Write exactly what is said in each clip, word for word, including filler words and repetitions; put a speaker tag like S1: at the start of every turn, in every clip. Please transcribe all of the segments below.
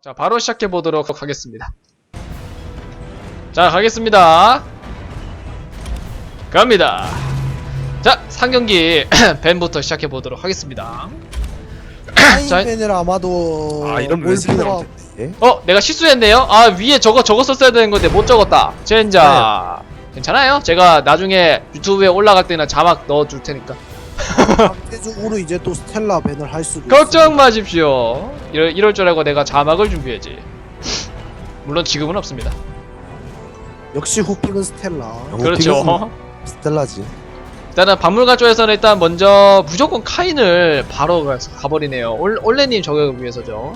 S1: 자, 바로 시작해 보도록 하겠습니다. 자, 가겠습니다. 갑니다. 자, 상경기 밴부터 시작해 보도록 하겠습니다. 자,
S2: 밴을 아마도
S3: 아 이런
S2: 올
S3: 왼손이
S2: 필요가-
S3: 나오는데.
S1: 어, 내가 실수했네요. 아, 위에 저거 저거 썼어야 되는 건데 못 적었다. 젠자. 괜찮아요. 제가 나중에 유튜브에 올라갈 때나 자막 넣어 줄 테니까.
S2: 상대적으로 이제 또 스텔라 밴을 할 수도
S1: 걱정 마십시오. 이럴, 이럴 줄 알고 내가 자막을 준비해야지. 물론 지금은 없습니다.
S2: 있습니다. 역시 후픽은 스텔라.
S3: 어,
S1: 그렇죠.
S3: 스텔라지.
S1: 일단은 박물관 쪽에서는 일단 먼저 무조건 카인을 바로 가- 가버리네요. 올, 올레님 저격을 위해서죠.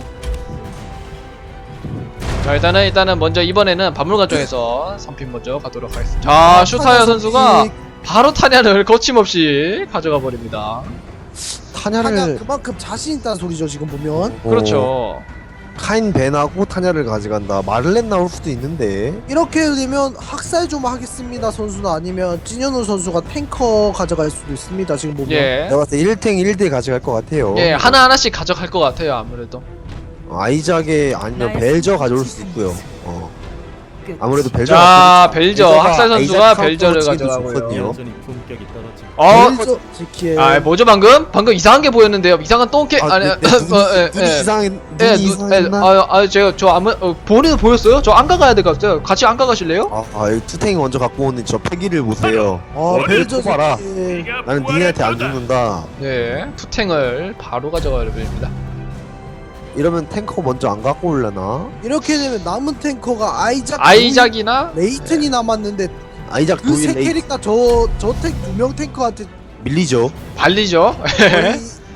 S1: 자, 일단은 일단은 먼저 이번에는 박물관 쪽에서 선픽 먼저 가도록 하겠습니다. 자, 슈타이어 선수가 바로 타냐를 거침없이 가져가 버립니다.
S2: 타냐
S3: 타냐를
S2: 그만큼 자신 있다는 소리죠 지금 보면.
S3: 어,
S1: 그렇죠.
S3: 카인 벤하고 타냐를 가져간다. 마를렌 나올 수도 있는데.
S2: 이렇게 되면 학살 좀 하겠습니다 선수는 아니면 찐현우 선수가 탱커 가져갈 수도 있습니다 지금 보면.
S1: 예.
S3: 내가 봤을 때 일 탱 일 대 가져갈 것 같아요.
S1: 예, 하나하나씩 가져갈 것 같아요, 아무래도.
S3: 어, 아이작에 아니면 벨저 가져올 수도 있고요. 어. 아무래도 벨저.
S1: 자, 벨저. 학살 선수가 벨저를 가져가고요. 어,
S2: 벨저 지키에.
S1: 아, 뭐죠 방금? 방금 이상한 게 보였는데요. 이상한 똥개
S3: 아,
S1: 아니,
S3: 내, 내 눈이,
S1: 어, 예,
S3: 눈이
S1: 예.
S3: 이상했.
S1: 예,
S3: 눈이
S1: 누, 예,
S3: 이상했나?
S1: 아, 아, 제가 저 아무 어, 본인은 보였어요? 저 안 가가야 될 것 같아요. 같이 안 가가실래요?
S3: 아, 아, 이 투탱이 먼저 갖고 오는 저 패기를 보세요.
S2: 어 벨저
S3: 봐라.
S2: 지키에.
S3: 나는 니네한테 안 죽는다.
S1: 네, 투탱을 바로 가져가야 됩니다.
S3: 이러면 탱커 먼저 안 갖고 올려나?
S2: 이렇게 되면 남은 탱커가 아이작,
S1: 아이작이나
S2: 레이튼이 남았는데
S3: 아이작
S2: 그 세
S3: 도일 레이
S2: 캐릭터 저저탱 두 명 탱커한테
S3: 밀리죠.
S1: 발리죠.
S2: 거의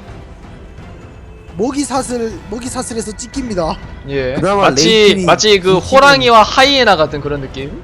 S2: 먹이 사슬 먹이 사슬에서 찍힙니다.
S1: 예,
S3: 그나마
S1: 마치
S3: 레이튼이
S1: 마치 그
S3: 그
S1: 호랑이와 하이에나 같은 그런 느낌.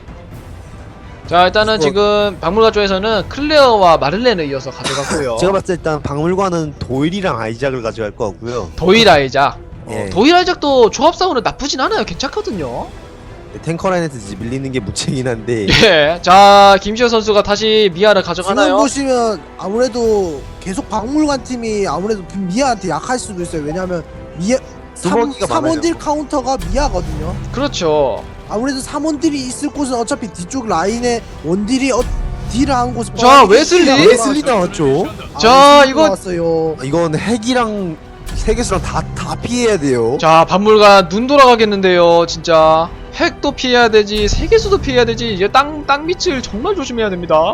S1: 자, 일단은
S3: 그거-
S1: 지금 박물관 쪽에서는 클레어와 마를렌을 이어서 가져갔고요.
S3: 제가 봤을 때 일단 박물관은 도일이랑 아이작을 가져갈 것 같고요.
S1: 도일 아이작.
S3: 예.
S1: 어, 도일 아이작도 조합상으로 나쁘진 않아요. 괜찮거든요.
S3: 탱커 라인에서 이제 밀리는 게 문제긴 한데.
S1: 예, 자, 김시호 선수가 다시 미아를
S2: 지금
S1: 가져가나요?
S2: 보시면 아무래도 계속 박물관 팀이 아무래도 미아한테 약할 수도 있어요. 왜냐하면 미아
S3: 두먹이가 많아요.
S2: 삼원딜 카운터가 미아거든요.
S1: 그렇죠.
S2: 아무래도 삼원딜이 있을 곳은 어차피 뒤쪽 라인에 원딜이 어, 딜을 하는 곳이
S1: 자, 웨슬리?
S3: 웨슬리 나왔죠.
S1: 자, 이거-
S2: 나왔어요.
S3: 이건 핵이랑 세계수랑 다 다 피해야 돼요.
S1: 자, 박물관 눈 돌아가겠는데요, 진짜. 핵도 피해야 되지, 세계수도 피해야 되지. 이제 땅, 땅 밑을 정말 조심해야 됩니다.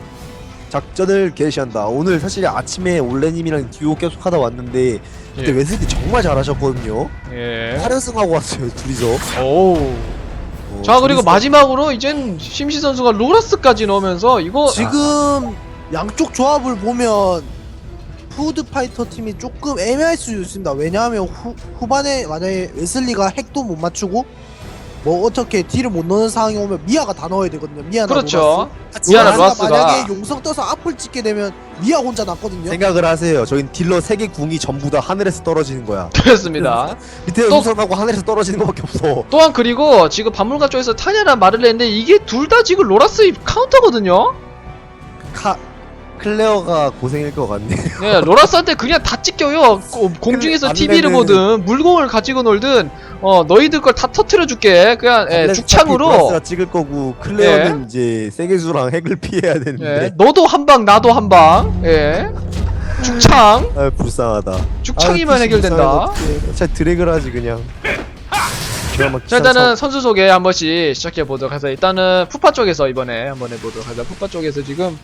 S3: 작전을 개시한다. 오늘 사실 아침에 올레님이랑 듀오 계속 하다 왔는데 그때
S1: 예.
S3: 웨슬리 정말 잘하셨거든요.
S1: 예.
S3: 팔 연승하고 왔어요 둘이서.
S1: 오우.
S3: 어,
S1: 자, 그리고
S3: 둘이서.
S1: 마지막으로 이젠 심시 선수가 로라스까지 넣으면서 이거
S2: 지금 양쪽 조합을 보면 푸드 파이터 팀이 조금 애매할 수 있습니다. 왜냐하면 후, 후반에 만약에 웨슬리가 핵도 못 맞추고 뭐 어떻게 딜을 못 넣는 상황이 오면 미아가 다 넣어야 되거든요. 미아나
S1: 그렇죠.
S2: 로라스.
S1: 미아나
S2: 로라스가
S1: 로라스가
S2: 만약에 용성 떠서 앞을 찍게 되면 미아 혼자 남거든요.
S3: 생각을 하세요. 저긴 딜러 세 개 궁이 전부 다 하늘에서 떨어지는 거야.
S1: 그렇습니다.
S3: 밑에
S1: 또-
S3: 우선하고 하늘에서 떨어지는 거밖에 없어.
S1: 또한 그리고 지금 박물관 쪽에서 타냐랑 마를렌인데 이게 둘 다 지금 로라스 카운터거든요.
S3: 카 클레어가 고생일 것 같네.
S1: 네, 로라스한테 그냥 다 찍혀요. 고- 공중에서
S3: 마를렌은-
S1: 티비를 보든 물공을 가지고 놀든 어 너희들 걸 다 터트려 줄게. 그냥 예,
S3: 원래
S1: 죽창으로.
S3: 플러스가 찍을 거고 클레어는 이제 세계수랑 핵을 피해야 되는데.
S1: 예, 너도 한 방, 나도 한 방. 예, 죽창.
S3: 아 불쌍하다.
S1: 죽창이면
S3: 아,
S1: 해결된다.
S3: 자 드래그를 하지 그냥.
S1: 자, 일단은 선수 소개 한 번씩 시작해 보도록 해서 일단은 푸파 쪽에서 이번에 한번 해보도록 하자. 푸파 쪽에서 지금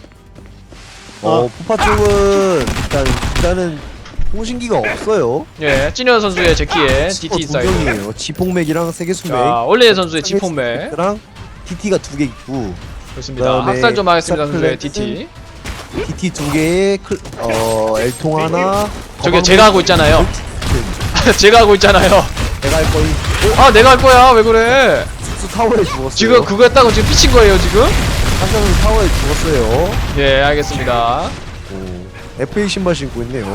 S3: 어 푸파 쪽은 일단 일단은 통신기가 없어요.
S1: 예, 찐현 선수의 제키에 디티
S3: 두
S1: 사이드.
S3: 명이에요. 지폭맥이랑 세계수맥.
S1: 자, 올레 선수의 지폰매.
S3: 랑 티티가 두 개 있고
S1: 좋습니다.
S3: 그다음에
S1: 학살 좀 하겠습니다, 선수의
S3: 샤클렛은
S1: 디티.
S3: 티티 두 개에 클, 어 엘통 하나.
S1: 저게 제가 하고 있잖아요. 제가 하고 있잖아요.
S3: 내가 할 거니.
S1: 아, 내가 할 거야. 왜 그래?
S3: 숙수 타워에 죽었어요.
S1: 지금 그거 했다고 지금 삐친 거예요, 지금?
S3: 한명은 타워에 죽었어요.
S1: 예, 알겠습니다.
S3: 오, 에프에이 신발 신고 있네요.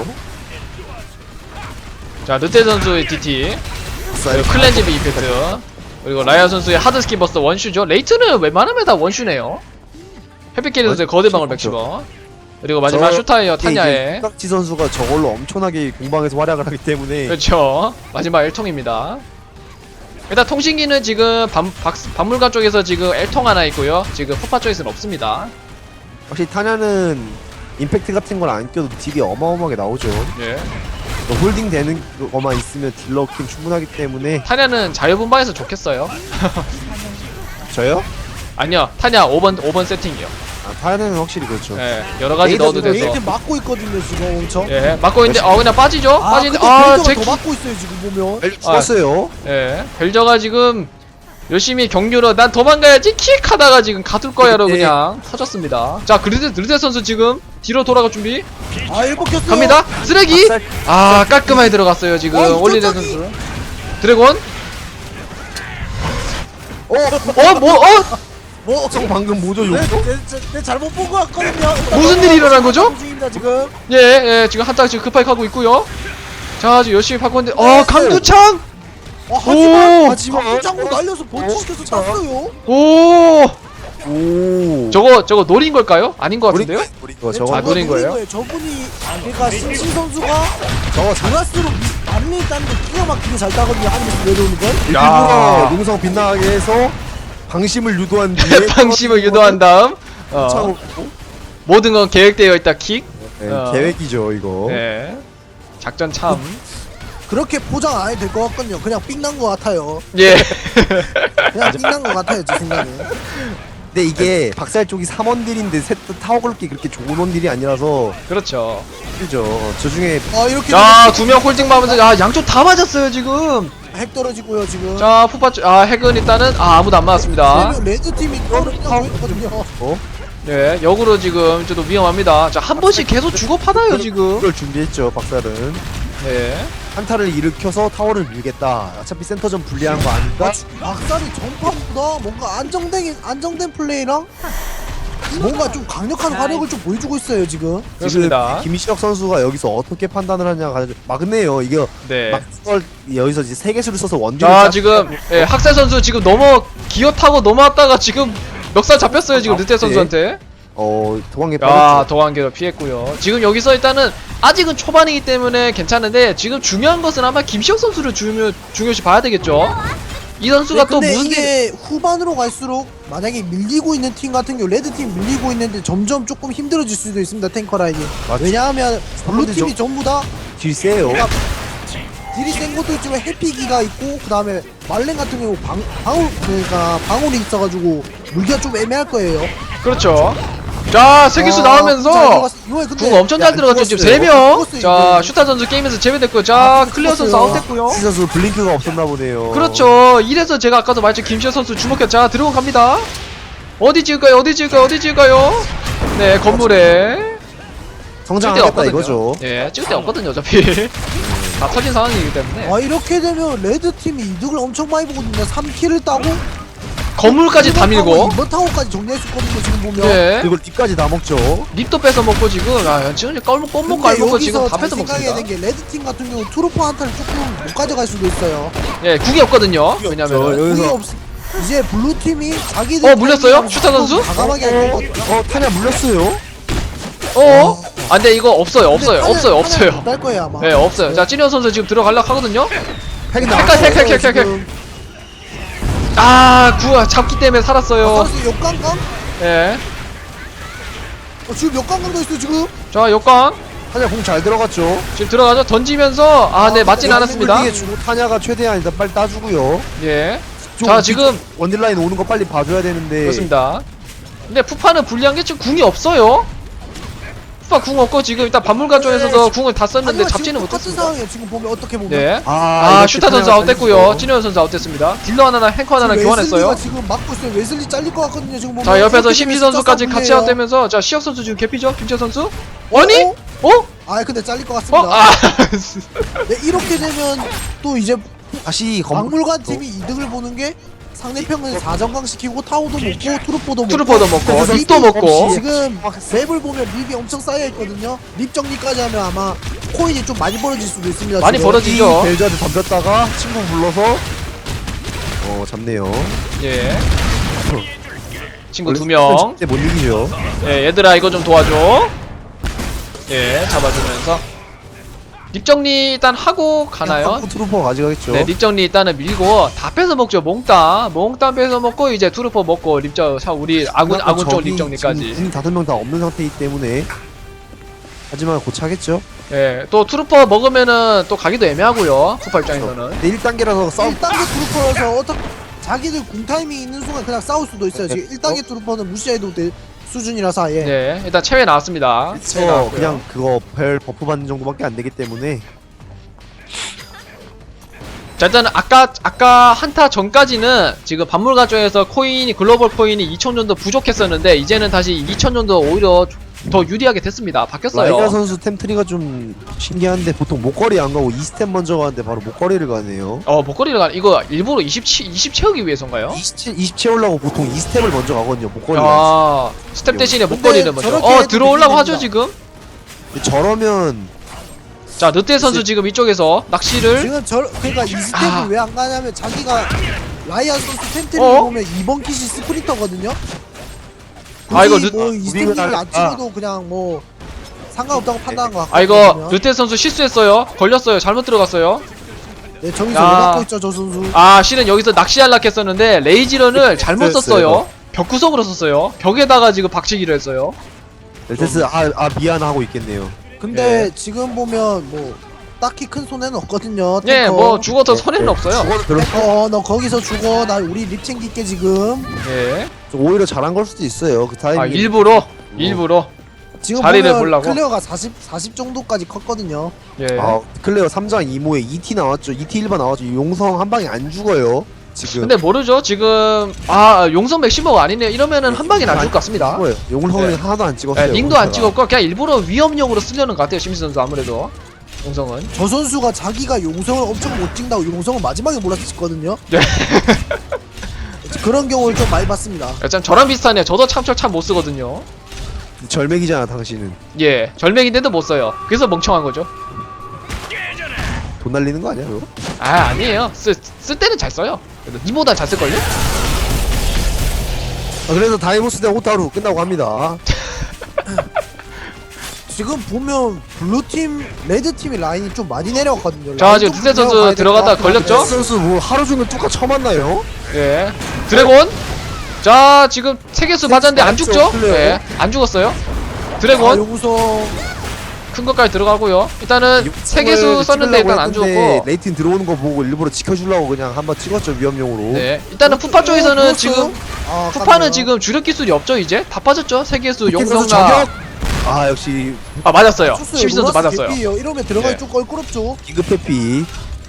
S1: 자, 르테 선수의 디티. 그리고 클렌지비 이펙트. 그리고 라이아 선수의 하드스키 버스 원슈죠. 레이트는 웬만하면 다 원슈네요. 해피캐리 선수의 거대방울 백십 원. 그리고 마지막 슈타이어 타냐에.
S3: 깍지 선수가 저걸로 엄청나게 공방에서 활약을 하기 때문에
S1: 그렇죠. 마지막 엘통입니다. 일단 통신기는 지금 박, 박, 박물관 쪽에서 지금 엘통 하나 있고요. 지금 푸파 쪽에서는 없습니다.
S3: 확실히 타냐는 임팩트 같은 걸 안 껴도 딜이 어마어마하게 나오죠.
S1: 예.
S3: 또 홀딩 되는 것만 있으면 딜러 킹 충분하기 때문에.
S1: 타냐는 자유분방해서 좋겠어요.
S3: 저요?
S1: 아니요, 타냐 오 번 오 번 세팅이요.
S3: 아, 타냐는 확실히 그렇죠.
S1: 예, 여러 가지
S3: 에이드
S1: 넣어도
S3: 지금
S1: 돼서.
S2: 에이트 막고 있거든요 지금 엄청.
S1: 예, 맞고 있는데 어 그냥 빠지죠?
S2: 아
S1: 빠지는데
S2: 근데
S1: 아,
S2: 벨저가
S1: 제
S2: 더
S1: 키.
S2: 막고 있어요 지금 보면.
S3: 벨 죽었어요.
S1: 예, 벨저가 지금 열심히 경유로 난 도망가야지 킥 하다가 지금 가둘 거야로
S3: 네.
S1: 그냥 터졌습니다. 자, 그르데 그르데 선수 지금 뒤로 돌아갈 준비.
S2: 아 일본 켰어요.
S1: 갑니다. 쓰레기.
S3: 박살.
S1: 아, 깔끔하게 들어갔어요 지금
S2: 어,
S1: 올리데
S2: 갑자기?
S1: 선수. 드래곤.
S3: 어,
S1: 어, 뭐, 어?
S2: 뭐
S3: 형 방금 뭐죠,
S2: 내,
S3: 욕조?
S2: 내, 내, 내 잘못 본 것 같거든요.
S1: 무슨 일이 일어난 거죠?
S2: 중입니다 지금.
S1: 예, 예, 지금 한타 지금 급하게 하고 있고요. 자, 지금 열심히 바꾸는데어 강두창.
S2: 어, 하지만
S1: 오!
S2: 하지만 강장구 날려서 번치시켜서 땄어요.
S1: 오,
S3: 오.
S1: 저거 저거 노린 걸까요? 아닌 것 같은데요?
S3: 우리 거
S2: 네,
S3: 저거
S1: 아,
S2: 저거
S1: 노린 거예요?
S2: 저분이 그러니까 심신 선수가
S3: 저거
S2: 드라스로 마린이 따는 거 기가 막히게 잘 따거든요. 하늘에서 내려오는 걸.
S1: 야.
S3: 일부러 농성 빗나가게 해서 방심을 유도한 뒤에
S1: 방심을 유도한 다음 어,
S3: 차고
S1: 모든 건 계획되어 있다 킥.
S3: 네,
S1: 어.
S3: 계획이죠 이거.
S1: 네. 작전 참.
S2: 그렇게 포장 안 해도 될 것 같거든요. 그냥 삥난 것 같아요.
S1: 예.
S2: 그냥 삥난 것 같아요 제 생각에.
S3: 근데 이게 박살 쪽이 삼 원딜인데 셋 다 타워 걸기 그렇게 좋은 원딜이 아니라서
S1: 그렇죠.
S3: 힘들죠. 저 중에
S2: 아 이렇게
S1: 자, 두 명 홀딩 받으면서 아, 양쪽 다 맞았어요, 지금.
S2: 핵 떨어지고요 지금.
S1: 자, 푸파 쪽 아, 핵은 일단은 아, 아무도 안 맞았습니다.
S2: 그러면 레드 팀이 떨어지고 있거든요.
S3: 어?
S1: 예, 역으로 지금 좀 미험합니다. 자, 한 번씩 계속 주고 받아요, 지금.
S3: 이걸 준비했죠 박살은.
S1: 네.
S3: 한타를 일으켜서 타워를 밀겠다. 어차피 센터전 불리한 거 아닌가?
S2: 박살이 전판보다 뭔가 안정된 안정된 플레이랑 뭔가 좀 강력한 화력을 좀 보여주고 있어요 지금.
S1: 그렇습니다.
S3: 지금 김시혁 선수가 여기서 어떻게 판단을 하냐가 막네요. 이게
S1: 네.
S3: 막 그걸 여기서 이제 세 개수를 써서 원딜을
S1: 자,
S3: 짜-
S1: 지금 예, 학살 선수 지금 넘어 기어 타고 넘어왔다가 지금 멱살 잡혔어요, 지금 르테 선수한테.
S3: 어 도망에
S1: 야,
S3: 빠졌죠.
S1: 도관계로 피했고요. 지금 여기서 일단은 아직은 초반이기 때문에 괜찮은데 지금 중요한 것은 아마 김시혁 선수를 중요 중요시 봐야 되겠죠. 이 선수가
S2: 네,
S1: 또
S2: 근데
S1: 무슨 일
S2: 이게 후반으로 갈수록 만약에 밀리고 있는 팀 같은 경우 레드 팀 밀리고 있는데 점점 조금 힘들어질 수도 있습니다 탱커 라인이.
S3: 맞죠.
S2: 왜냐하면 블루
S3: 근데
S2: 팀이
S3: 저-
S2: 전부 다
S3: 딜 세요.
S2: 딜이 센 것도 있지만 해피기가 있고 그 다음에 말렌 같은 경우 방 방울 그러니까 방울이 있어가지고 물기가 좀 애매할 거예요.
S1: 그렇죠. 자, 세기수
S2: 아,
S1: 나오면서
S2: 잘 들어갔어. 이번에 근데
S1: 궁 엄청 잘
S3: 야,
S1: 들어갔죠. 지금
S3: 죽었어요.
S1: 세 명.
S2: 죽었어요,
S1: 자,
S2: 이거.
S1: 슈타 선수 게임에서 제외됐고요. 자,
S2: 아,
S1: 클리어 선수
S2: 죽었어요.
S1: 아웃됐고요.
S3: 시 선수 블링크가 없었나 보네요.
S1: 그렇죠. 이래서 제가 아까도 말했죠. 김시혁 선수 주목해. 자, 들어온 갑니다. 어디 찍을까요? 어디 찍을까요? 어디 찍을까요? 네, 건물에 찍을 데
S3: 성장하겠다
S1: 없거든요.
S3: 이거죠.
S1: 예, 찍을 데 없거든요. 어차피 다 터진 상황이기 때문에
S2: 아 이렇게 되면 레드 팀이 이득을 엄청 많이 보거든요. 삼 킬을 따고
S1: 건물까지 다 밀고.
S2: 이번 타워까지 정리할 수 있거든요. 지금 보면.
S1: 예.
S3: 그리고 립까지 다 먹죠.
S1: 립도 뺏어 먹고 지금 아, 지금 껌 껌먹고
S2: 근데
S1: 알먹고 지금
S2: 여기서
S1: 다
S2: 잘
S1: 뺏어
S2: 생각해야
S1: 먹습니다.
S2: 되는 게 레드 팀 같은 경우 트루퍼 한타를 조금 못 가져갈 수도 있어요.
S1: 예, 국이 없거든요.
S3: 국이
S1: 왜냐면
S3: 없죠.
S2: 공이
S3: 여기서-
S2: 없 이제 블루 팀이 자기들
S1: 어, 물렸어요?
S2: 타이밍을
S1: 슈타 선수?
S2: 좀 과감하게 할 거거든요.
S3: 어 타냐 물렸어요.
S1: 어? 아, 근데 이거 없어요. 없어요. 없어요. 없어요.
S2: 날 거예요 아마.
S1: 예, 없어요. 자, 찌니어 선수 지금 들어가려고 하거든요.
S3: 핵이
S1: 핵,
S3: 나왔어요.
S1: 핵, 핵, 핵, 핵, 핵. 아, 구 잡기 때문에 살았어요.
S2: 선수 역강강?
S1: 예.
S2: 어, 지금 역강강도 있어 지금.
S1: 자, 역광
S3: 타냐 공 잘 들어갔죠.
S1: 지금 들어가죠. 던지면서 아, 네, 맞진
S2: 근데
S1: 않았습니다.
S3: 홀딩에 주고 타냐가 최대한 일단 빨리 따주고요.
S1: 예.
S3: 좀
S1: 자, 지금
S3: 원딜 라인 오는 거 빨리 봐줘야 되는데.
S1: 그렇습니다. 근데 푸파는 불리한 게 지금 궁이 없어요. 푸파 궁 없고 지금 일단 박물관 쪽에서도 궁을 다 썼는데
S2: 하지만
S1: 잡지는
S2: 지금 똑같은
S1: 못했습니다.
S2: 상황이에요. 지금 보면 어떻게 보면.
S1: 네.
S3: 아,
S1: 아,
S3: 이렇게
S1: 슈타 선수
S3: 타냐가
S1: 아웃됐고요.
S3: 잘렸어.
S1: 찌니어 선수 아웃됐습니다. 딜러 하나랑 탱커 하나랑
S2: 지금
S1: 교환했어요.
S2: 웨슬리가 지금 막고 있어요. 웨슬리 잘릴 것 같거든요. 지금 보면.
S1: 자, 옆에서
S2: 이렇게
S1: 심시
S2: 되면
S1: 선수까지
S2: 진짜
S1: 같이
S2: 싸움이에요.
S1: 아웃되면서 자, 시혁 선수 지금 개피죠? 김채 선수? 아니?
S2: 어?
S1: 어?
S2: 아 근데 잘릴 것
S1: 어?
S2: 같습니다.
S1: 아.
S2: 네, 이렇게 되면 또 이제
S3: 다시 건물
S2: 박물관 팀이 이득을 보는 게 상대편은 사정강 시키고 타워도 먹고 트루퍼도 먹고
S1: 트루퍼도 먹고
S2: 그래서
S1: 립도
S2: 립이
S1: 먹고
S2: 지금 맵을 보면 립이 엄청 쌓여있거든요. 립 정리까지 하면 아마 코인이 좀 많이 벌어질 수도 있습니다.
S1: 많이
S2: 지금.
S1: 벌어지죠.
S3: 벨저한테 덤볐다가 친구 불러서 어 잡네요.
S1: 예. 친구 두 명.
S3: 못 이기죠.
S1: 예, 얘들아 이거 좀 도와줘. 예, 잡아주면서 립 정리 일단 하고 가나요?
S3: 트루퍼 가져가겠죠.
S1: 네, 립 정리 일단은 밀고 다 뺏어 먹죠. 몽땅 몽땅 뺏어 먹고 이제 투르퍼 먹고 립정 사 우리 아군 아군 쪽 립 정리까지.
S3: 지금 다섯 명 다 없는 상태이기 때문에 하지만 고차겠죠.
S1: 예, 또 투르퍼 먹으면은 또 가기도 애매하고요. 쿠파 입장에서는.
S3: 근데 일 단계라서 싸움
S2: 일 단계 트루퍼라서 어떻게 자기들 궁 타이밍 있는 순간 그냥 싸울 수도 있어요. 지금 일 단계 트루퍼는 무시해도 될 수준이라서 예.
S1: 네, 일단 체외 나왔습니다. 체외
S3: 어,
S1: 나왔고요.
S3: 그냥 그거 별 버프 받는 정도밖에 안 되기 때문에
S1: 자, 일단은 아까 아까 한타 전까지는 지금 박물관 쪽에서 코인이 글로벌 코인이 이천 정도 부족했었는데 이제는 다시 이천 정도 오히려 더 유리하게 됐습니다. 바뀌었어요.
S3: 라이가 선수 템트리가 좀 신기한데 보통 목걸이 안 가고 이 스텝 먼저 가는데 바로 목걸이를 가네요.
S1: 어, 목걸이를 가 이거 일부러 이십, 이십 채우기 위해서인가요?
S3: 이십, 이십 채우려고 보통 이 스텝을 먼저 가거든요. 목걸이.
S1: 아, 스텝 대신에
S2: 근데
S1: 목걸이는 먼저.
S2: 저렇게
S1: 어,
S2: 해도
S1: 들어오려고
S2: 되긴
S1: 하죠,
S2: 됩니다.
S1: 지금.
S3: 저러면
S1: 자, 르테 선수 지금 이쪽에서 낚시를.
S2: 지금 저 그러니까 이 스텝을
S1: 아.
S2: 왜 안 가냐면 자기가 라이언 선수 텐트를
S1: 어?
S2: 보면 이번 킷이 스프린터거든요.
S1: 아, 이거
S2: 굳이
S1: 르-
S2: 뭐 이스텝을
S3: 우리가-
S2: 안 찍어도 그냥 뭐 상관없다고 판단한 것 같거든요.
S1: 아, 이거 르테 선수 실수했어요. 걸렸어요. 잘못 들어갔어요.
S2: 네, 저기서
S1: 야.
S2: 왜 막고 있죠 저 선수.
S1: 아, 실은 여기서 낚시하려고 했었는데 레이지런을 잘못
S3: 실수했어요,
S1: 썼어요. 벽 구석으로 썼어요. 벽에다가 지금 박치기를 했어요.
S3: 렐테스 아, 아 미안 하고 있겠네요.
S2: 근데
S1: 예.
S2: 지금 보면 뭐 딱히 큰 손해는 없거든요.
S1: 예,
S2: 탱커.
S1: 뭐 죽어도 손해는 없어요.
S3: 죽어도 별로
S2: 탱커 너 거기서 죽어. 나 우리 립 챙길게 지금.
S1: 예.
S3: 오히려 잘한 걸 수도 있어요. 그 타이밍.
S1: 아, 일부러 일부러.
S2: 지금
S1: 자리를
S2: 보면
S1: 보려고?
S2: 클리어가 사십, 사십 정도까지 컸거든요.
S1: 예.
S3: 아 클레어 삼 장 이 모에 이 티 나왔죠. 이 티 일 반 나왔죠. 용성 한 방에 안 죽어요. 지금.
S1: 근데 모르죠. 지금 아, 용성 맥시머가 아니네요. 이러면은 한 방에 안 죽을 것 같습니다.
S3: 죽어요. 용성은
S1: 네.
S3: 하나도 안 찍었어요.
S1: 예, 링도 안
S3: 용서가.
S1: 찍었고 그냥 일부러 위험용으로 쓰려는 것 같아요. 심시 선수 아무래도. 용성은.
S2: 저 선수가 자기가 용성을 엄청 못 찍다고 용성을 마지막에 몰아서 찍거든요.
S1: 네.
S2: 그런 경우를 좀 많이 봤습니다.
S1: 참 저랑 비슷하네요. 저도 참철 참 못 쓰거든요.
S3: 절맥이잖아 당신은.
S1: 예, 절맥인데도 못 써요. 그래서 멍청한 거죠.
S3: 돈 날리는 거 아니야 그거?
S1: 아, 아니에요. 쓸, 쓸 때는 잘 써요. 그래도 니보단 잘 쓸걸요?
S3: 아, 그래서 다이모스 대 오타루 끝나고 합니다.
S2: 지금 보면 블루팀, 레드팀이 라인이 좀 많이 내려왔거든요.
S1: 자,
S2: 라인
S1: 지금
S2: 좀
S1: 두세 선수
S2: 내려가야 될것
S1: 들어가다
S2: 같긴 한데.
S1: 걸렸죠?
S3: 선수 뭐 하루 종일 뚜까 처음 만나요?
S1: 예. 드래곤. 자, 지금 세개수 맞았는데 안
S3: 맞죠,
S1: 죽죠?
S3: 클레어?
S1: 예. 안 죽었어요.
S2: 아,
S1: 드래곤
S2: 용성
S1: 큰 것까지 들어가고요. 일단은 세 개수 썼는데 일단 안 죽었고.
S3: 레이팅 들어오는 거 보고 일부러 지켜주려고 그냥 한번 찍었죠 위험용으로.
S1: 네. 일단은 푸파 쪽에서는
S2: 어,
S1: 지금
S2: 아,
S1: 푸파는
S2: 깜짝이야.
S1: 지금 주력 기술이 없죠, 이제? 다 빠졌죠? 세 개수
S3: 레이팅 선수
S1: 용성나.
S3: 저격! 아 역시
S1: 아, 맞았어요.
S2: 쳤어요.
S1: 심시 선수
S2: 로라스
S1: 맞았어요.
S2: 개피예요. 이러면 들어가기
S1: 네.
S2: 좀 껄끄럽죠.
S3: 긴급 회피.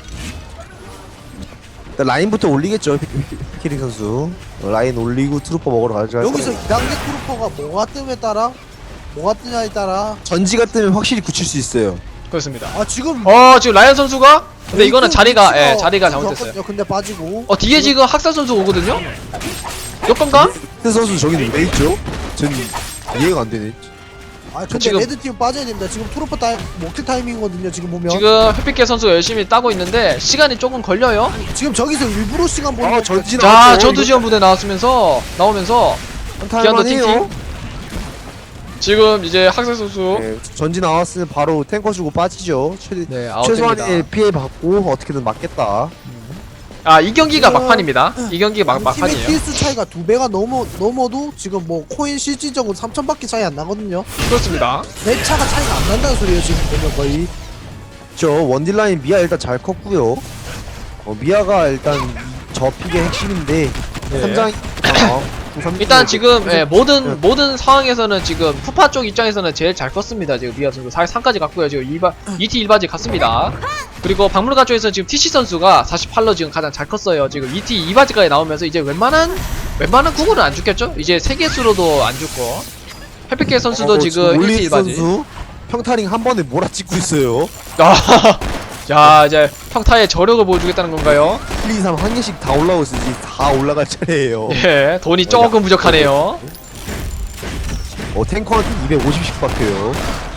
S3: 일단 라인부터 올리겠죠 피- 피- 피키링 선수. 어, 라인 올리고 트루퍼 먹으러 가죠.
S2: 여기서 이 단계 트루퍼가 뭐가 뜸에 따라 뭐가 뜨냐에 따라
S3: 전지가 뜨면 확실히 굳힐 수 있어요.
S1: 그렇습니다.
S2: 아 지금
S1: 어, 지금 라이언 선수가 근데 이거는
S2: 레이튼
S1: 자리가
S2: 위치가
S1: 예, 자리가
S2: 좀
S1: 잘못됐어요.
S2: 좋았거든요. 근데 빠지고
S1: 어, 뒤에 지금 학살 선수 오거든요? 여건가?
S3: 태 선수 저기는 왜 있죠? 전 이해가 안 되네.
S2: 아 근데
S1: 지금-
S2: 레드팀 빠져야 됩니다. 지금 트루퍼 타임 먹힐 타이밍이거든요. 지금 보면
S1: 지금 햇빛개 선수가 열심히 따고 있는데 시간이 조금 걸려요.
S2: 지금 저기서 일부러 시간 보는
S3: 아
S2: 거
S3: 전지
S1: 자,
S3: 나왔죠.
S1: 저두 지원 부대 나왔으면서 나오면서 기한도 팅팅. 지금 이제 학생 선수
S3: 네, 전지 나왔으면 바로 탱커 주고 빠지죠. 최,
S1: 네,
S3: 최소한의
S1: 아웃됩니다.
S3: 피해 받고 어떻게든 막겠다.
S1: 아, 이 경기가
S2: 지금-
S1: 막판입니다. 이 경기가 막,
S2: 팀의
S1: 막판이에요.
S2: 킬수 차이가 두 배가 넘어 넘어도 지금 뭐 코인 실질적으로 삼천밖에 차이 안 나거든요.
S1: 그렇습니다.
S2: 내 차가 차이가 안 난다는 소리예요 지금 보면 거의.
S3: 저 원딜라인 미아 일단 잘 컸고요. 어, 미아가 일단 저 픽의 핵심인데
S1: 네.
S3: 삼장
S1: 일단 지금 예, 모든 모든 상황에서는 지금 푸파 쪽 입장에서는 제일 잘 컸습니다. 지금 미아 선수 사십삼까지 갔고요. 지금 이바 이티 일 바지 갔습니다. 그리고 박물관 쪽에서 지금 티씨 선수가 사십팔로 지금 가장 잘 컸어요. 지금 이티 이 바지까지 나오면서 이제 웬만한 웬만한 구구는 안 죽겠죠? 이제 세 개수로도 안 죽고 햇빛개 선수도
S3: 어,
S1: 지금 이티
S3: 올리
S1: 일 바지.
S3: 선수 평타링 한 번에 몰아찍고 있어요.
S1: 아, 자 이제 평타의 저력을 보여주겠다는 건가요?
S3: 일, 이, 삼 한 개씩 다 올라오고 있어. 이제 다 올라갈 차례예요.
S1: 예, 돈이 조금 부족하네요.
S3: 어, 탱커한테 이백오십씩 박혀요.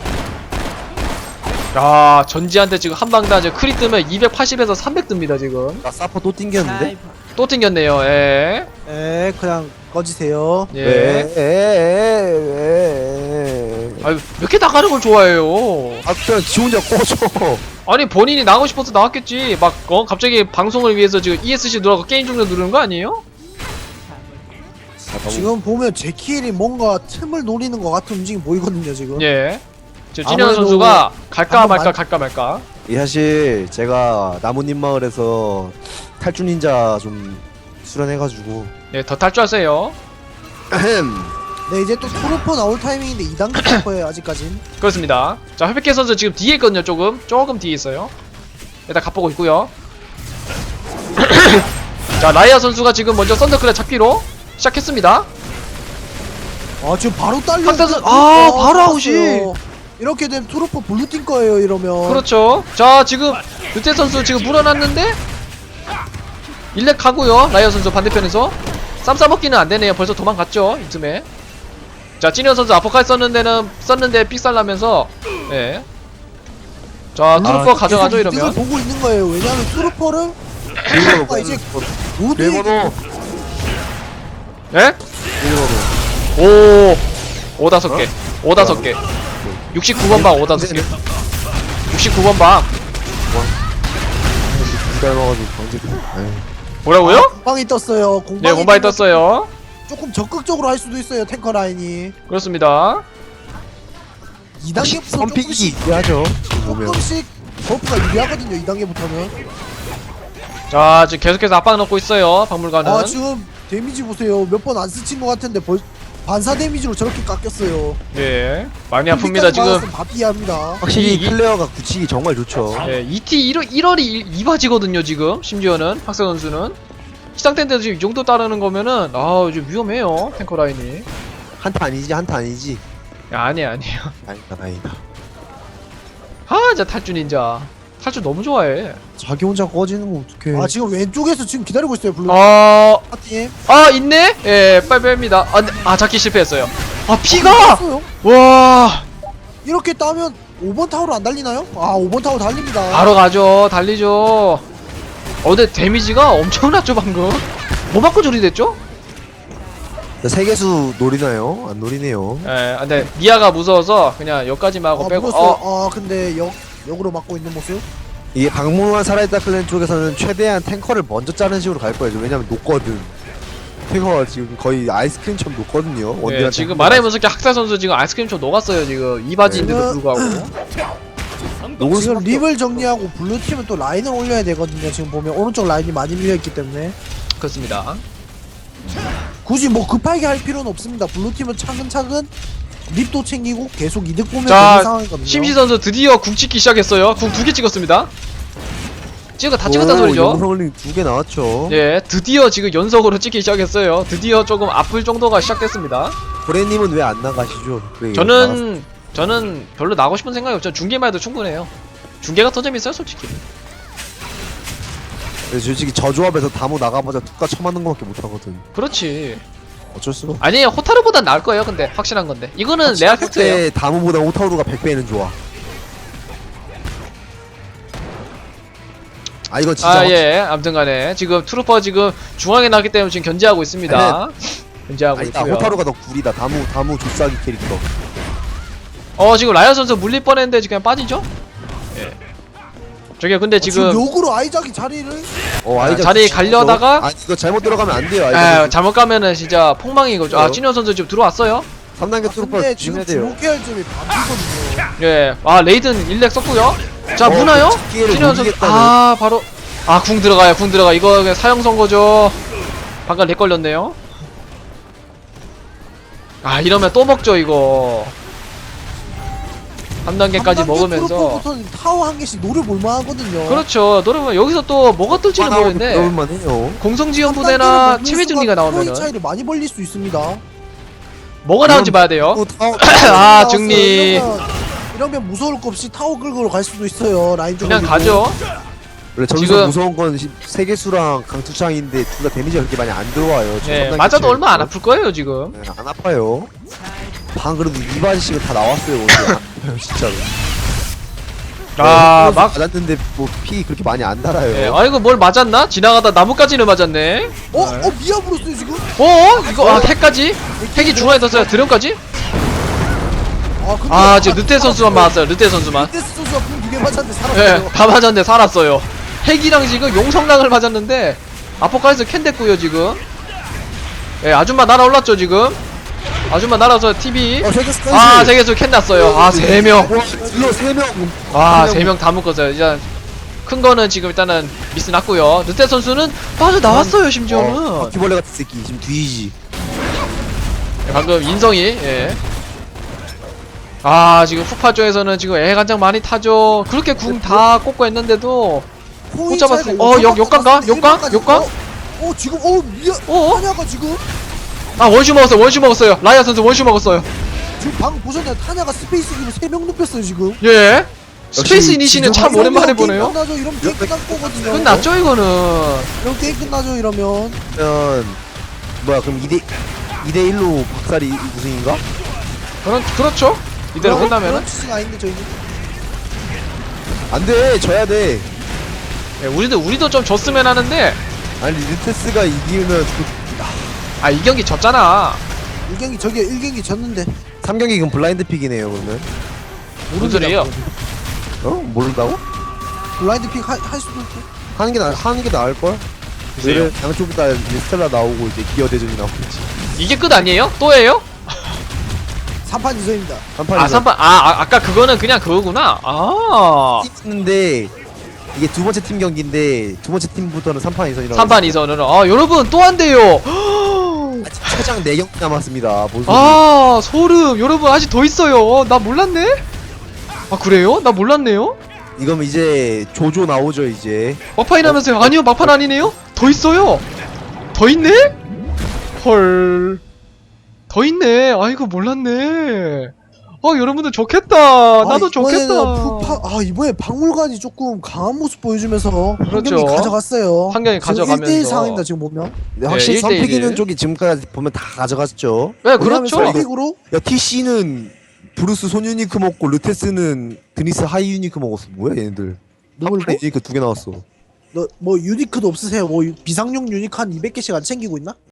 S1: 야, 전지한테 지금 한 방 다 크리 뜨면 이백팔십에서 삼백 뜹니다 지금.
S3: 나 사퍼 또 띵겼는데?
S1: 또 튕겼네요. 예.
S2: 에 그냥 꺼지세요.
S1: 예.
S3: 왜? 에, 에, 에, 에.
S1: 아유 왜 이렇게 나가는 걸 좋아해요?
S3: 아 그냥 지 혼자 꺼져.
S1: 아니 본인이 나가고 싶어서 나왔겠지. 막 어 갑자기 방송을 위해서 지금 이에스씨 누르고 게임 종료 누르는 거 아니에요?
S2: 지금 보면 제키엘이 뭔가 틈을 노리는 것 같은 움직임 보이거든요 지금.
S1: 예. 지금 찐현
S2: 아무래도
S1: 선수가 갈까
S2: 한번
S1: 말까
S2: 만-
S1: 갈까 말까.
S3: 이 사실 제가 나뭇잎 마을에서 탈주 닌자 좀 수련해가지고
S1: 예, 더 탈주하세요.
S2: 네 이제 또 트루퍼 나올 타이밍인데 이 단계 트루퍼예요 아직까진.
S1: 그렇습니다. 자, 회백해 선수 지금 뒤에 있거든요. 조금 조금 뒤에 있어요. 일단 갑보고 있고요. 자, 라이아 선수가 지금 먼저 썬더클랩 잡기로 시작했습니다.
S2: 아 지금 바로 딸려.
S1: 박사선- 아, 바로 아웃이.
S2: 이렇게 되면 트루퍼 블루팀 거예요 이러면.
S1: 그렇죠. 자, 지금 유태 선수 지금 물어놨는데 일렉 가고요. 라이아 선수 반대편에서 쌈 싸먹기는 안 되네요. 벌써 도망갔죠. 이쯤에. 자, 찐현 선수 아포칼 썼는 데는 썼는데 삑살나면서 예. 자, 트루퍼 가져가죠
S2: 계속 이득을
S1: 이러면.
S2: 보고 있는 거예요. 왜냐하면 트루퍼를
S3: 비밀번호
S2: 아, 이제 모두
S3: 비밀번호
S1: 예?
S3: 비밀번호
S1: 오, 오 다섯 개, 오 다섯 개, 육십구 번 방, 오 다섯 개, 육십구 번 방.
S3: 닮아가지고 방지.
S1: 뭐라고요?
S2: 공방이 떴어요. 공방이
S1: 네, 몸바이
S2: 뜨면
S1: 떴어요.
S2: 조금 적극적으로 할 수도 있어요 탱커 라인이.
S1: 그렇습니다.
S2: 이 단계부터
S3: 선픽이
S2: 조금씩
S3: 유리하죠. 지금 보면.
S2: 조금씩 버프가 유리하거든요 이 단계부터는.
S1: 자, 지금 계속해서 압박 넣고 있어요. 박물관은.
S2: 아 지금 데미지 보세요. 몇 번 안 스친 것 같은데 벌 반사 데미지로 저렇게 깎였어요.
S1: 예, 많이 아픕니다 지금.
S2: 바비합니다.
S3: 확실히
S1: 이- 이-
S3: 플레어가 굳히기 정말 좋죠.
S1: 예, 이티 일월 일월이 이바지거든요 지금. 심지어는 박사 선수는 시상 텐데도 지금 이 정도 따르는 거면은 아, 좀 위험해요 탱커 라인이.
S3: 한타 아니지 한타 아니지.
S1: 야, 아니야 아니에요.
S3: 다행이다 다행이다.
S1: 아, 진짜 탈주 닌자. 탈주 너무 좋아해.
S3: 자기 혼자 꺼지는 거 어떡해.
S2: 아 지금 왼쪽에서 지금 기다리고 있어요 블루
S1: 어,
S2: 파팀.
S1: 아 있네. 예, 빨리 뺍니다. 아, 근데- 아 잡기 실패했어요. 아, 피가.
S2: 떴어요?
S1: 와,
S2: 이렇게 따면 오 번 타워로 안 달리나요? 아 오 번 타워 달립니다.
S1: 바로 가죠. 달리죠. 어, 근데 데미지가 엄청났죠 방금. 뭐 맞고 저리 됐죠?
S3: 세계수 노리나요? 안 노리네요.
S1: 예, 근데 미아가 무서워서 그냥 여기까지만 하고
S2: 아,
S1: 빼고.
S2: 물었어요.
S1: 어,
S2: 아 근데 역 역으로 막고 있는 모습.
S3: 이게 박물관 살아있다 클랜 쪽에서는 최대한 탱커를 먼저 자르는 식으로 갈 거예요. 왜냐면 녹거든. 탱커가 지금 거의 아이스크림처럼 녹거든요.
S1: 예,
S3: 원딜한테
S1: 지금
S3: 한
S1: 말해
S3: 번
S1: 무섭게 학살 선수 지금 아이스크림처럼 녹았어요 지금 이 바지인데도
S2: 네.
S1: 불구하고.
S3: 녹을
S2: 지금
S3: 수밖에
S2: 립을 정리하고 블루팀은 또 라인을 올려야 되거든요. 지금 보면 오른쪽 라인이 많이 밀려있기 때문에
S1: 그렇습니다.
S2: 굳이 뭐 급하게 할 필요는 없습니다. 블루팀은 차근차근 립도 챙기고 계속 이득 보면
S1: 자,
S2: 되는 상황이거든요.
S1: 심시 선수 드디어 궁 찍기 시작했어요. 궁 두 개 찍었습니다. 찍어 다 찍었다 소리죠.
S3: 영상올림 두 개 나왔죠.
S1: 예, 드디어 지금 연속으로 찍기 시작했어요. 드디어 조금 아플 정도가 시작됐습니다.
S3: 브레님은 왜 안 나가시죠? 그래, 나갔-
S1: 저는 저는 별로 나가고 싶은 생각이 없죠. 중계만 해도 충분해요. 중계가 더 재밌어요, 솔직히.
S3: 그래서 솔직히 저 조합에서 다무 나가보자 툭가 쳐맞는 거밖에 못하거든.
S1: 그렇지.
S3: 어쩔 수가.
S1: 아니에요, 호타루보단 나을 거예요. 근데 확실한 건데. 이거는 레알 팩트예요.
S3: 때 다무보다 오타우루가 백 배는 좋아. 아 이거 진짜
S1: 아,
S3: 확-
S1: 예. 아무튼간에 지금 트루퍼 지금 중앙에 나기 때문에 지금 견제하고 있습니다. 견제하고
S3: 아니다
S1: 있고요.
S3: 호타루가 더 구리다. 다무 다무 조싸기 캐릭터.
S1: 어, 지금 라이언 선수 물릴 뻔했는데 지금 그냥 빠지죠? 예. 저기 근데
S2: 아, 지금
S1: 지금
S2: 역으로 아이작이 자리를
S3: 어 아이작
S1: 자리
S3: 진짜
S1: 가려다가-
S3: 아 이거 잘못 들어가면 안 돼요.
S1: 에,
S3: 아이작
S1: 잘못 가면은 진짜 폭망이거죠. 아, 찐현 선수 지금 들어왔어요?
S3: 삼 단계
S2: 아,
S3: 트루퍼
S2: 근데 지금
S3: 주셔야 돼요.
S2: 주목해야 할 점이 반피거든요.
S1: 예. 아, 레이든 일렉 썼고요. 자,
S3: 어,
S1: 무나요?
S3: 그 기회를
S1: 찐현 선수.
S3: 노리겠다는.
S1: 아, 바로. 아, 궁 들어가요. 궁 들어가. 이거 그냥 사형 선거죠. 방금 렉 걸렸네요. 아, 이러면 또 먹죠, 이거. 삼 단계까지 먹으면서.
S2: 트루퍼부터는 타워 한 개씩 노려볼 만하거든요.
S1: 그렇죠. 노르면 여기서 또 뭐가 뜰지는 모르는데.
S3: 그럴만해요.
S1: 공성지원
S2: 삼
S1: 부대나
S2: 단계를
S1: 체외
S2: 먹는
S1: 정리가
S2: 순간
S1: 나오면은
S2: 프로의 차이를 많이 벌릴 수 있습니다.
S1: 뭐가 나올지 봐야 돼요.
S3: 또 타워
S1: 아,
S2: 나왔어요.
S1: 정리.
S2: 이러면, 이러면 무서울 거 없이 타워 긁으러 갈 수도 있어요. 라인 쪽
S1: 그냥 가죠.
S3: 원래 저기서
S1: 지금-
S3: 무서운 건 시- 세계수랑 강투창인데 둘 다 데미지가 그렇게 많이 안 들어와요. 저 삼
S1: 예,
S3: 단계
S1: 맞아도
S3: 치고
S1: 얼마 안
S3: 있어요.
S1: 아플 거예요, 지금.
S3: 네, 안 아파요. 방 그래도 이바지씨가 다 나왔어요. 오늘 안 아파요 진짜로.
S1: 아,
S3: 네,
S1: 막.
S3: 맞았는데 뭐 피 그렇게 많이 안 달아요.
S1: 예, 아이고, 뭘 맞았나? 지나가다 나무까지는 맞았네.
S2: 어? 어? 미아 불었어요 지금?
S1: 어? 이거, 아, 핵까지? 핵이 중앙에 떴어요. 드럼까지?
S2: 아 아 근데
S1: 아 지금 르테 선수만 맞았어요. 르테 선수만.
S2: 르테스 선수가 궁두개 맞았는데
S1: 예,
S2: 살았어요.
S1: 다 맞았는데 살았어요. 핵이랑 지금 용성락을 맞았는데 아포칼리스 캔 됐고요 지금. 예, 아줌마 날아올랐죠 지금. 아줌마 날아서 티비.
S3: 어 세계스
S1: 아 세계수 캔 났어요. 아 세 명.
S3: 와 딜러 세명
S1: 아 세 명 다 묶었어요. 일단 큰 거는 지금 일단은 미스 났고요. 르테 선수는 빠져 나왔어요 심지어는.
S3: 바퀴벌레 같은 새끼 지금 뒤지지.
S1: 예, 방금 인성이. 예. 아 지금 푸파 쪽에서는 지금 애간장 많이 타죠. 그렇게 궁 다 꽂고 했는데도 못 잡았어요. 어, 역- 역광가? 역광? 역광?
S2: 어 지금 어 미안.
S1: 어?
S2: 타냐가 지금
S1: 아 원슈 먹었어요. 원슈 먹었어요. 라이아 선수 원슈 먹었어요.
S2: 지금 방금 보셨나요? 타냐가 스페이스 기로 세 명 눕혔어요 지금.
S1: 예. 스페이스
S3: 역시
S1: 이니시는
S3: 지금
S1: 참 오랜만에
S2: 이러면 게임
S1: 보네요.
S2: 끝나죠. 이러면 게임 끝날 거거든요.
S1: 끝났죠 이거는.
S2: 이런 게임 끝나죠 이러면.
S3: 그러면 뭐야 그럼 이대 이대 일로 박살이 우승인가?
S1: 그런 그렇죠. 이대로
S2: 그런-
S1: 끝나면은.
S2: 그런 취지가 아닌데 저희는.
S3: 안돼 져야 돼.
S1: 예, 우리도 우리도 좀 졌으면 하는데
S3: 아니 리테스가 이기면 그
S1: 아 이 경기 졌잖아.
S2: 일 경기 저기 일 경기 졌는데.
S3: 삼 경기 그럼 블라인드 픽이네요 그러면.
S1: 무슨 소리예요?
S3: 어? 모른다고?
S2: 블라인드 픽 할 수도 있고.
S3: 하는 게 나, 하는 게 나을 걸?
S1: 글쎄요.
S3: 양쪽 다 스텔라 나오고 이제 기어 대전이 나오겠지.
S1: 이게 끝 아니에요? 또예요?
S2: 삼 판 이 선입니다.
S3: 한판
S1: 아 삼 판 아, 아 아까 그거는 그냥 그거구나. 아
S3: 했는데 이게 두 번째 팀 경기인데 두 번째 팀부터는 삼 판 이선이라고.
S1: 삼 판 이 선으로 아 여러분 또 한대요.
S3: 아직 최장 네 경기 남았습니다. 뭔 소리?
S1: 아 소름. 여러분 아직 더 있어요. 나 몰랐네. 아 그래요? 나 몰랐네요.
S3: 이거면 이제 조조 나오죠 이제.
S1: 막판이 나면서요. 아니요 막판 아니네요. 더 있어요. 더 있네? 헐. 더 있네. 아이고 몰랐네. 어 여러분들 좋겠다. 나도
S2: 아, 이번에는
S1: 좋겠다.
S2: 푸파, 아 이번에 박물관이 조금 강한 모습 보여주면서 한
S1: 그렇죠.
S2: 경기 가져갔어요.
S1: 한 경기
S2: 지금
S1: 가져가면서.
S2: 일 대일 상황입니다 지금 보면.
S3: 네, 확실히
S1: 일 대 일.
S3: 선픽이는 쪽이 지금까지 보면 다 가져갔죠.
S1: 네 그렇죠.
S2: 선픽으로
S3: 야 티씨는 브루스 손 유니크 먹고 르테스는 드니스 하이 유니크 먹었어. 뭐야 얘네들.
S2: 누굴
S3: 한 유니크 두 개 나왔어.
S2: 너뭐 유니크도 없으세요? 뭐 유- 비상용 유니크 한 이백 개씩 안 챙기고 있나?